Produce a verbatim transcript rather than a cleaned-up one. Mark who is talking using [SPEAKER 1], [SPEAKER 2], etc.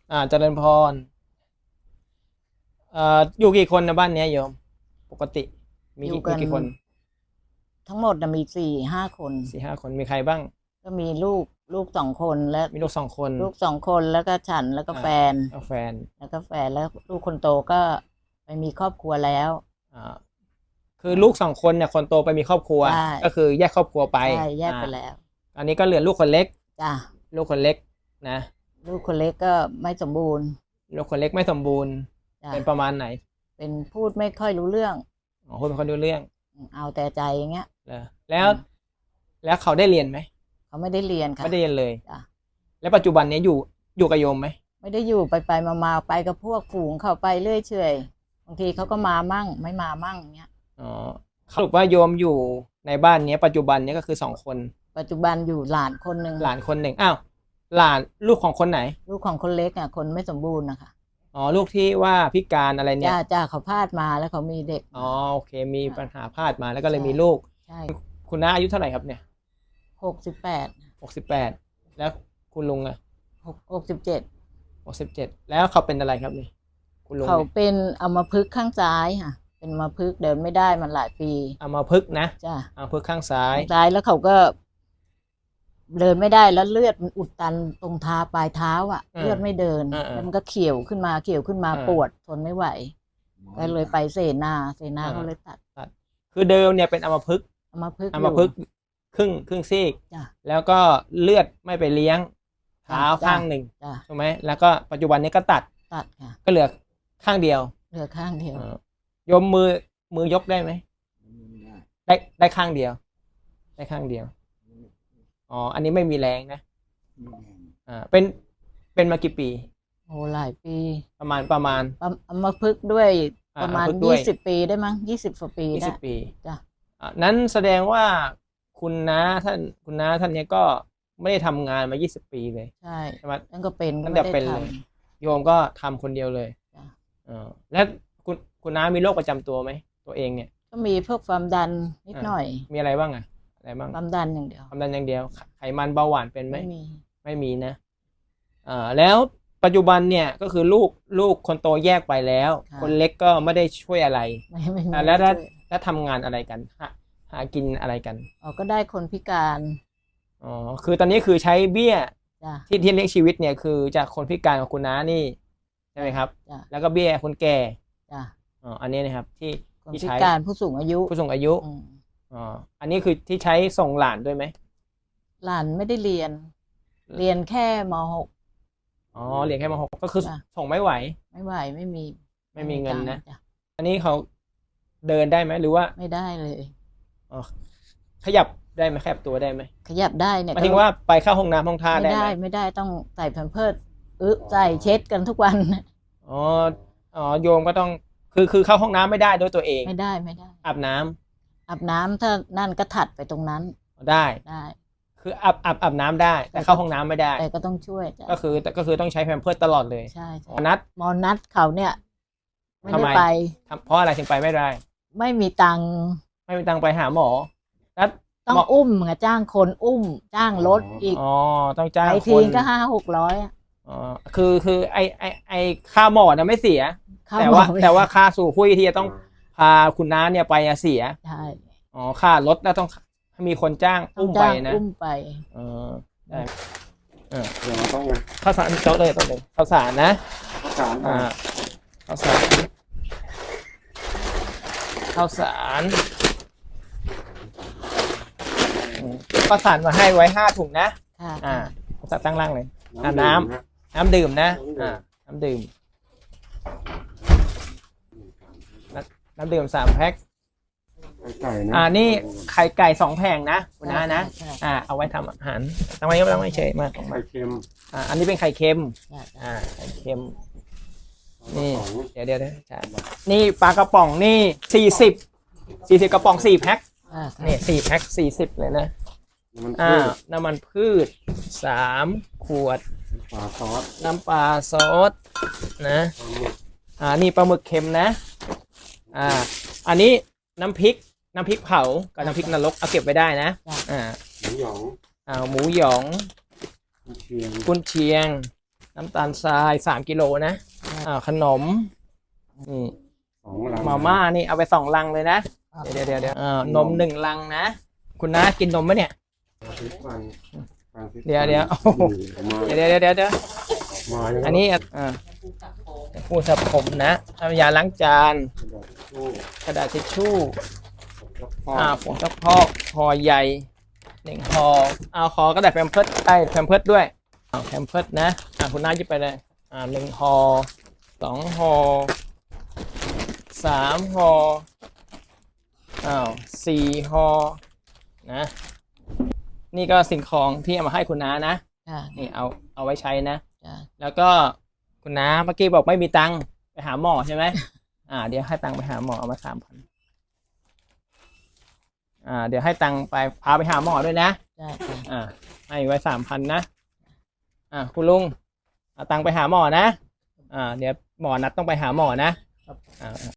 [SPEAKER 1] อ่าเจริญพรเอ่ออยู่กี่คนนะบ้านเนี้ยโยมปกติมี
[SPEAKER 2] อยู่
[SPEAKER 1] กี่
[SPEAKER 2] กั
[SPEAKER 1] มี
[SPEAKER 2] น
[SPEAKER 1] กี่คน
[SPEAKER 2] ทั้งหมดนะมีสี่ห้าคน
[SPEAKER 1] สี่ห้าคนมีใครบ้าง
[SPEAKER 2] ก็มีลูกลูกสองคนและ
[SPEAKER 1] มีลูกสองคน
[SPEAKER 2] ลูกสองคนแล้วก็ฉันแล้วก็
[SPEAKER 1] อ่า
[SPEAKER 2] แฟน
[SPEAKER 1] แล้วแฟน
[SPEAKER 2] แล้วก็แฟนแล้วลูกคนโตก็ไปมีครอบครัวแล้ว
[SPEAKER 1] อ่าคือลูกสองคนเนี่ยคนโตไปมีครอบครัว
[SPEAKER 2] ใช่
[SPEAKER 1] ก็คือแยกครอบครัวไป
[SPEAKER 2] ใช่แยก
[SPEAKER 1] อ่า
[SPEAKER 2] ไปแล้ว
[SPEAKER 1] อันนี้ก็เหลือลูกคนเล็ก
[SPEAKER 2] จ้ะ
[SPEAKER 1] ลูกคนเล็กนะ
[SPEAKER 2] ลูกคนเล็กก็ไม่สมบูรณ์
[SPEAKER 1] ลูกคนเล็กไม่สมบูรณ์
[SPEAKER 2] จ้ะ
[SPEAKER 1] เป็นประมาณไหน
[SPEAKER 2] เป็นพูดไม่ค่อยรู้เรื่อง
[SPEAKER 1] อ๋อคนเป็นคนดูเรื่อง
[SPEAKER 2] เอาแต่ใจอย่างเงี้ย
[SPEAKER 1] เหรอแล้วแล้วเขาได้เรียนไหม
[SPEAKER 2] เขาไม่ได้เรียนค่ะ
[SPEAKER 1] ไม่ได้เรียนเลย
[SPEAKER 2] จ้ะ
[SPEAKER 1] แล้วปัจจุบันเนี้ยอยู่อยู่กับโยมไหม
[SPEAKER 2] ไม่ได้อยู่ไปไปมามาไปกับพวกฝูงเข้าไปเรื่อยเฉยบางทีเขาก็มามั่งไม่มามั่งเงี้ย
[SPEAKER 1] อ๋อสรุปว่าโยมอยู่ในบ้านเนี้ยปัจจุบันเนี้ยก็คือสองคน
[SPEAKER 2] ปัจจุบันอยู่หลานคนหนึ่ง
[SPEAKER 1] หลานคนหนึ่งอ้าวหลานลูกของคนไหน
[SPEAKER 2] ลูกของคนเล็กอ่ะคนไม่สมบูรณ์นะคะ
[SPEAKER 1] อ๋อลูกที่ว่าพิการอะไรเนี่ย
[SPEAKER 2] จ้าจ้าเขาพลาดมาแล้วเขามีเด็ก
[SPEAKER 1] อ๋อโอเคมีปัญหาพลาดมาแล้วก็เลยมีลูก
[SPEAKER 2] ใช่
[SPEAKER 1] คุณน้าอายุเท่าไหร่ครับเนี่ย
[SPEAKER 2] หกสิบแปด
[SPEAKER 1] หกสิบแปดแล้วคุณลุงอะ
[SPEAKER 2] หกหกสิบเจ็ด
[SPEAKER 1] หกสิบเจ็ดแล้วเขาเป็นอะไรครับนี่คุณลุง
[SPEAKER 2] เขาเป็นอัมพฤกษ์ข้างซ้ายค่ะเป็นอัมพฤกษ์เดินไม่ได้มันหลายปี
[SPEAKER 1] อัมพฤกษ์นะ
[SPEAKER 2] จ้า
[SPEAKER 1] อัมพฤกษ์ข้างซ้าย
[SPEAKER 2] ข้างซ้ายแล้วเขาก็เดินไม่ได้แล้วเลือดมันอุดตันตรงเท้าปลายเท้าอ่ะเลือดไม่เดินแล้วมันก็เขียวขึ้นมาเขียวขึ้นมาปวดทนไม่ไหวก็เลยไปเสนาเสนาเขาเลยตัด
[SPEAKER 1] คือเดิมเนี่ยเป็นอัมพฤกษ์
[SPEAKER 2] อัมพฤกษ์
[SPEAKER 1] อัมพฤกษ์ครึ่งครึ่งซีกแล้วก็เลือดไม่ไปเลี้ยงเท้าข้างหนึ่งถูกไหมแล้วก็ปัจจุบันนี้ก็ตัด
[SPEAKER 2] ตัดค่ะ
[SPEAKER 1] ก็เหลือข้างเดียว
[SPEAKER 2] เหลือข้างเดียว
[SPEAKER 1] โยมมือมือยกได้ไหมได้ได้ข้างเดียวได้ข้างเดียวอ๋ออันนี้ไม่มีแรงนะอ่าเป็นเป็นมากี่ปี
[SPEAKER 2] โอ้หลายปี
[SPEAKER 1] ประมาณประมาณ
[SPEAKER 2] อัมพฤกษ์ด้วยประมาณยี่สิบปีได้มั้งยี่สิบกว่าปี
[SPEAKER 1] ยี่สิบปี
[SPEAKER 2] จ้ะ
[SPEAKER 1] นั้นแสดงว่าคุณน้าท่านคุณน้าท่านนี้ก็ไม่ได้ทำงานมายี่สิบปีเลย
[SPEAKER 2] ใช่
[SPEAKER 1] ใช่ไหม
[SPEAKER 2] นั่นก็เป็น
[SPEAKER 1] ตั้งแต่เป็นเลยโยมก็ทำคนเดียวเลยอ่าแล้วคุณคุณน้ามีโรคประจำตัวไหมตัวเองเนี่ย
[SPEAKER 2] ก็มีพวกความดันนิดหน่อย
[SPEAKER 1] มีอะไรบ้างอะอะไรบ้าง
[SPEAKER 2] ความดันอย่างเดียว
[SPEAKER 1] ความดันอย่างเดียวไขมันเบาหวานเป็นไหม
[SPEAKER 2] ไม่มี
[SPEAKER 1] ไม่มีนะอ่าแล้วปัจจุบันเนี่ยก็คือลูกลูกคนโตแยกไปแล้วคนเล็กก็ไม่ได้ช่วยอะไรแล้วแล้วแล้วทำงานอะไรกันหาหากินอะไรกัน
[SPEAKER 2] อ๋อก็ได้คนพิการ
[SPEAKER 1] อ๋อคือตอนนี้คือใช้เบี้ยที่ที่เลี้ยงชีวิตเนี่ยคือจากคนพิการของคุณน้านี่ใช่ไหมครับแล้วก็เบี้ยคนแก่อ๋ออันนี้นะครับที่
[SPEAKER 2] ที่ใช้พิการผู้สูงอายุ
[SPEAKER 1] ผู้สูงอายุอ๋ออันนี้คือที่ใช้ส่งหลานด้วยไหม
[SPEAKER 2] หลานไม่ได้เรียนเรียนแค่ม หก
[SPEAKER 1] อ๋อเรียนแค่ม หกก็คือส่งไม่ไหว
[SPEAKER 2] ไม่ไหวไม่มี
[SPEAKER 1] ไม่มีเงินนะอันนี้เขาเดินได้ไหมหรือว่า
[SPEAKER 2] ไม่ได้เลย
[SPEAKER 1] อ๋อขยับได้ไหมขยับตัวได้ไหม
[SPEAKER 2] ขยับได้เนี่ย
[SPEAKER 1] หมายถึงว่าไปเข้าห้องน้ำห้องท่าได้ไหม
[SPEAKER 2] ไม่ได้ไม่ได้ต้องใส่แพมเพิร์สอึใส่เช็ดกันทุกวัน
[SPEAKER 1] อ๋ออ๋อโยมก็ต้องคือคือเข้าห้องน้ำไม่ได้ด้วยตัวเอง
[SPEAKER 2] ไม่ได้ไม่ได้
[SPEAKER 1] อาบน้
[SPEAKER 2] ำอาบน้ำถ้านั่นก็ถัดไปตรงนั้น
[SPEAKER 1] ได้ได้คืออาบอาบอาบน้ำได้แต่เข้าห้องน้ำไม่ได้
[SPEAKER 2] แต่ก็ต้องช่วย
[SPEAKER 1] ก็คือก็คือต้องใช้แพมเพิร์สตลอดเลย
[SPEAKER 2] ใช่
[SPEAKER 1] หมอนัด
[SPEAKER 2] หมอนัดเขาเนี่ยไม่ได้ไป
[SPEAKER 1] เพราะอะไรถึงไปไม่ได้
[SPEAKER 2] ไม่มีตังค์
[SPEAKER 1] ไม่มีตังค์ไปหาหมอนัด
[SPEAKER 2] ต้องอุ้มไงจ้างคนอุ้มจ้างรถอีก
[SPEAKER 1] อ๋อต้องจ้าง
[SPEAKER 2] คนทีก็ห้าหกร้อย
[SPEAKER 1] อ๋อคือคือไอไอไอค่าหมอนะไม่เสียแต่ว่าแต่ว่าค่าสู่คุยที่จะต้องพาคุณน้าเนี่ยไปเสีย
[SPEAKER 2] ใช่
[SPEAKER 1] อ๋อค่ารถแล้วต้องมีคนจ้างอุ้มไปนะ
[SPEAKER 2] อุ้มไป
[SPEAKER 1] เออได้เออเดี๋ยวต้องข้าวสารโต๊ะเลยโต๊ะเลยข้าวสารนะข้าวสารอ่าข้าวสารข้าวสารข้าวสารมาให้ไว้ห้าถุงนะอ่าข้าวสารตั้งล่างเลยอ่าน้ำน้ำดื่มนะอ่าน้ำดื่มน้ำดื่มสามแพ็คอ่านี่ไข่ไก่สองแผงนะคุณน้านะอ่าเอาไว้ทำอาหารทำไมก็ต้องไม่เฉยมาก
[SPEAKER 3] ไข่เค็ม
[SPEAKER 1] อ่าอันนี้เป็นไข่เค็มอ่าไข่เค็มนี่เดี๋ยวเดี๋ยวนี่ปลากระป๋องนี่สี่สิบสี่สิบกระป๋องสี่แพ็คนี่สี่แพ็คสี่สิบเลยนะอ่าน้ำมันพืชสามขวด
[SPEAKER 3] ปลาซอส
[SPEAKER 1] น้ำปลาซอสนะอ่านี่ปลาหมึกเค็มนะอ่าอันนี้น้ำพริกน้ำพริกเผากับน้ำพริกนรกเอาเก็บไว้ได้นะอ่า
[SPEAKER 3] หมูหยอง
[SPEAKER 1] อ่าหมูหยอง
[SPEAKER 3] กุนเชียง
[SPEAKER 1] กุนเชียงน้ำตาลทรายสามกิโลนะอ่าขนมนี่
[SPEAKER 3] สองลัง
[SPEAKER 1] มาม่านี่เอาไปสองลังเลยนะเดี๋ยวเดี๋ยวเดี๋ยวอ่านมหนึ่งลังนะคุณน้ากินนมไหมเนี่ย เดี๋ยวเดี๋ยวโอ้โห เดี๋ยวเดี๋ยวเดี๋ยวเดี๋ยว
[SPEAKER 3] มายัง
[SPEAKER 1] อันนี้อ่าผู้สระผมนะน้ำยาล้างจาน กระดาษทิชชู่อ่าผงซักฟอกห่อใหญ่หนึ่งห่อเอาขอกระดาษแพมเพิร์ดไอ้แพมเพิร์ดด้วยเอาแพมเพิร์ดนะอ่าคุณน้าหยิบไปเลยอ่าหนึ่งห่อสองห่อสามห่ออ้าวสี่ห่อนะนี่ก็สิ่งของที่เอามาให้คุณน้านะ
[SPEAKER 2] จ้ะ
[SPEAKER 1] นี่เอาเอาไว้ใช้นะ
[SPEAKER 2] จ้ะ
[SPEAKER 1] แล้วก็คุณน้าเมื่อกี้บอกไม่มีตังค์ไปหาหมอใช่ไหม อ่า เดี๋ยวให้ตังค์ไปหาหมอเอามาสามพันอ่า เดี๋ยวให้ตังค์ไปพาไปหาหมอด้วยนะ
[SPEAKER 2] จ้ะจ้ะ
[SPEAKER 1] อ่า ให้ไว้สามพันนะ อ่าคุณลุงเอาตังค์ไปหาหมอนะ อ่า เดี๋ยวหมอนัดต้องไปหาหมอนะ อ่า